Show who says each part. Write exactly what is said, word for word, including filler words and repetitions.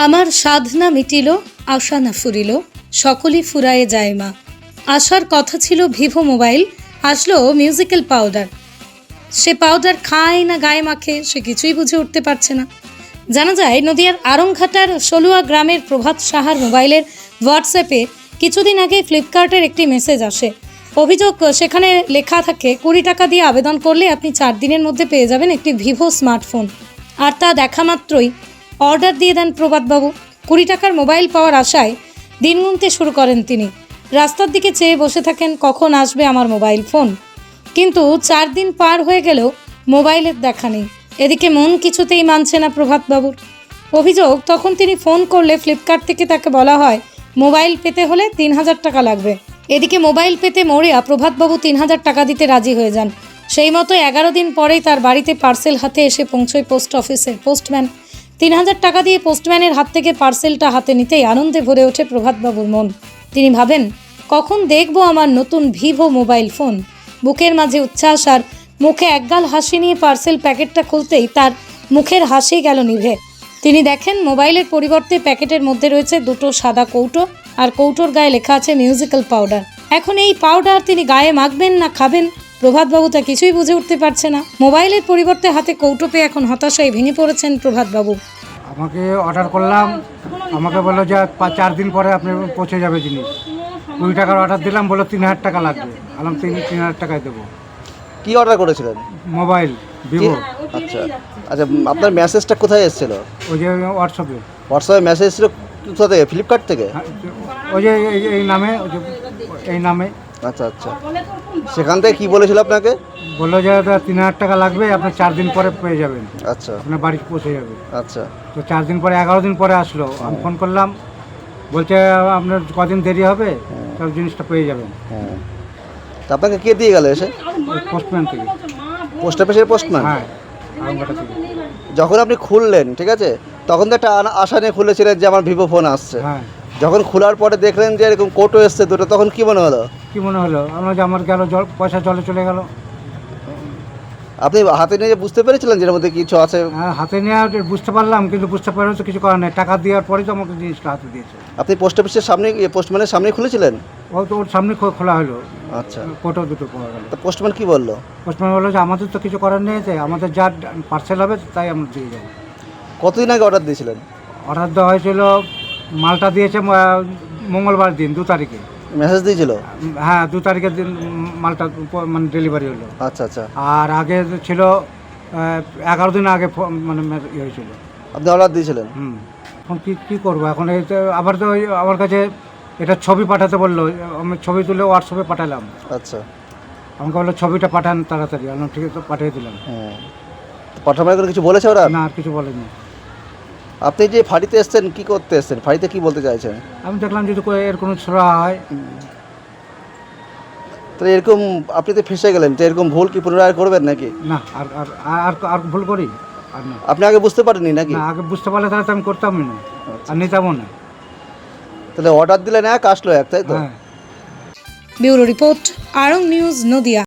Speaker 1: আমার সাধনা মিটিল, আশা না ফুরিল, সকলই ফুরায়ে যায় মা। আসার কথা ছিল ভিভো মোবাইল, আসলো মিউজিক্যাল পাউডার। সে পাউডার খায় না গায়ে মাখে, সে কিছুই বুঝে উঠতে পারছে না। জানা যায় নদিয়ার আরংঘাটার সলুয়া গ্রামের প্রভাত সাহার মোবাইলের হোয়াটসঅ্যাপে কিছুদিন আগে ফ্লিপকার্টের একটি মেসেজ আসে। অভিযোগ, সেখানে লেখা থাকে কুড়ি টাকা দিয়ে আবেদন করলে আপনি চার দিনের মধ্যে পেয়ে যাবেন একটি ভিভো স্মার্টফোন। আর তা দেখা মাত্রই অর্ডার দিয়ে দেন প্রভাতবাবু। কুড়ি টাকার মোবাইল পাওয়ার আশায় দিন গুনতে শুরু করেন তিনি। রাস্তার দিকে চেয়ে বসে থাকেন কখন আসবে আমার মোবাইল ফোন। কিন্তু চার দিন পার হয়ে গেলেও মোবাইলের দেখা নেই। এদিকে মন কিছুতেই মানছে না প্রভাতবাবুর। অভিযোগ, তখন তিনি ফোন করলে ফ্লিপকার্ট থেকে তাকে বলা হয় মোবাইল পেতে হলে তিন হাজার টাকা লাগবে। এদিকে মোবাইল পেতে মরিয়া প্রভাতবাবু তিন হাজার টাকা দিতে রাজি হয়ে যান। সেই মতো এগারো দিন পরেই তার বাড়িতে পার্সেল হাতে এসে পৌঁছয় পোস্ট অফিসের পোস্টম্যান। তিন হাজার টাকা দিয়ে পোস্টম্যানের হাত থেকে পার্সেলটা হাতে নিতেই আনন্দে ভরে ওঠে প্রভাতবাবুর মন। তিনি ভাবেন, কখন দেখব আমার নতুন ভিভো মোবাইল ফোন। বুকের মাঝে উচ্ছ্বাস আর মুখে একগাল হাসি নিয়ে পার্সেল প্যাকেটটা খুলতেই তার মুখের হাসি গেল নিভে। তিনি দেখেন মোবাইলের পরিবর্তে প্যাকেটের মধ্যে রয়েছে দুটো সাদা কৌটো, আর কৌটোর গায়ে লেখা আছে মিউজিক্যাল পাউডার। এখন এই পাউডার তিনি গায়ে মাখবেন না খাবেন, প্রভাতবাবু তা কিছুই বুঝে উঠতে পারছে না। মোবাইলের পরিবর্তে হাতে কৌটো পেয়ে এখন হতাশায় ভেঙে পড়েছেন প্রভাতবাবু।
Speaker 2: আমাকে অর্ডার করলাম, আমাকে বললো যে পা- চার দিন পরে আপনি পৌঁছে যাবে জিনিস। কুড়ি টাকার অর্ডার দিলাম, বললো তিন হাজার টাকা লাগবে। আলাম তিন তিন হাজার টাকায় দেবো।
Speaker 3: কি অর্ডার করেছিলেন?
Speaker 2: Mobile Vivo.
Speaker 3: আচ্ছা আচ্ছা, আপনার মেসেজটা কোথায় এসেছিল?
Speaker 2: ওই যে হোয়াটসঅ্যাপে।
Speaker 3: হোয়াটসঅ্যাপে মেসেজ এসেছিল কোথা থেকে? ফ্লিপকার্ট থেকে?
Speaker 2: হ্যাঁ, ওই যে এই এই নামে, ওই যে এই নামে
Speaker 3: আচ্ছা আচ্ছা, সেখান থেকে কি বলেছিল আপনাকে?
Speaker 2: বললো যে তিন হাজার টাকা লাগবে, আপনি চার দিন পরে পেয়ে যাবেন,
Speaker 3: আচ্ছা
Speaker 2: আপনার বাড়ি পৌঁছে যাবে।
Speaker 3: আচ্ছা,
Speaker 2: তো চার দিন পরে এগারো দিন পরে আসলো। আমি ফোন করলাম, বলছে আপনার কদিন দেরি হবে, সব জিনিসটা পেয়ে যাবেন।
Speaker 3: হ্যাঁ, তা আপনাকে কে দিয়ে গেল এসে?
Speaker 2: পোস্টম্যান থেকে।
Speaker 3: পোস্ট অফিসের পোস্টম্যান?
Speaker 2: হ্যাঁ, আরামবাটা থেকে।
Speaker 3: যখন আপনি খুললেন, ঠিক আছে, তখন তো একটা আনা- আশা নিয়ে খুলেছিলেন যে আমার ভিভো ফোন আসছে।
Speaker 2: হ্যাঁ,
Speaker 3: যখন খোলার পরে দেখলেন যে এরকম কোটো এসছে দুটো, তখন কি মনে হলো?
Speaker 2: কি মনে হলো আমরা যে আমার গেল জল, পয়সা জলে চলে গেল।
Speaker 3: আপনি হাতে নিয়ে বুঝতে পেরেছিলেন যে এর মধ্যে কিছু আছে?
Speaker 2: হ্যাঁ, হাতে নিয়ে বুঝতে পারলাম, কিন্তু বুঝতে পারলে তো কিছু করার নেই। টাকা দেওয়ার পরেই তো আমাকে জিনিসটা হাতে দিয়েছে।
Speaker 3: আপনি পোস্ট অফিসের সামনে, পোস্টম্যানের সামনে খুলেছিলেন?
Speaker 2: ও তো ওর সামনে খো- খোলা হলো,
Speaker 3: আচ্ছা,
Speaker 2: কোটো দুটো পাওয়া গেল।
Speaker 3: তো পোস্টম্যান কি বললো?
Speaker 2: পোস্টম্যান বললো যে আমাদের তো কিছু করার নেই, যে আমাদের যা পার্সেল হবে তাই আমরা দিয়ে যাবো।
Speaker 3: কতদিন আগে অর্ডার দিয়েছিলেন?
Speaker 2: অর্ডার দেওয়া হয়েছিল, মালটা দিয়েছে ম- মঙ্গলবার দিন, দু তারিখে।
Speaker 3: মেসেজ দিয়েছিল?
Speaker 2: হ্যাঁ, দু তারিখের দিন মালটা প- মানে ডেলিভারি হলো।
Speaker 3: আচ্ছা আচ্ছা,
Speaker 2: আর আগে ছিল আহ, এগারো দিন আগে ফো- মানে মে- ইয়ে হয়েছিল।
Speaker 3: আপনি অর্ডার দিয়েছিলেন?
Speaker 2: হুম, এখন কী কী করবো এখন? এই তো আবার তো ওই আমার কাছে এটা ছবি পাঠাতে বললো, আমি ছবি তুলে হোয়াটসঅ্যাপে পাঠালাম।
Speaker 3: আচ্ছা,
Speaker 2: আমাকে বললো ছবিটা পাঠান তাড়াতাড়ি। আমি ঠিক আছে, পাঠিয়ে দিলাম।
Speaker 3: হ্যাঁ, পাঠানোর করে কিছু বলেছে ওরা?
Speaker 2: না, আর কিছু বলেনি।
Speaker 3: আপনি যে ফাঁড়িতে এসছেন, কি করতে এসছেন? ফাঁড়িতে কি বলতে চাইছেন?
Speaker 2: আমি দেখলাম যদি কো- এর কোনো ছোড়া হয়।
Speaker 3: তাহলে এরকম আপনি তো ফেসে গেলেন, তো এরকম ভুল কি পুনরায় করবেন নাকি?
Speaker 2: না, আর আর আর আর ভুল করি আর না।
Speaker 3: আপনি আগে বুঝতে পারেননি নাকি?
Speaker 2: না, আগে বুঝতে পারলে তাহলে তো আমি করতামই না, আর নিতামও না।
Speaker 3: তাহলে অর্ডার দিলেন এক, আসলো এক, তাই তো?
Speaker 2: হ্যাঁ।
Speaker 1: ব্যুরো রিপোর্ট, আরং নিউজ, নদিয়া।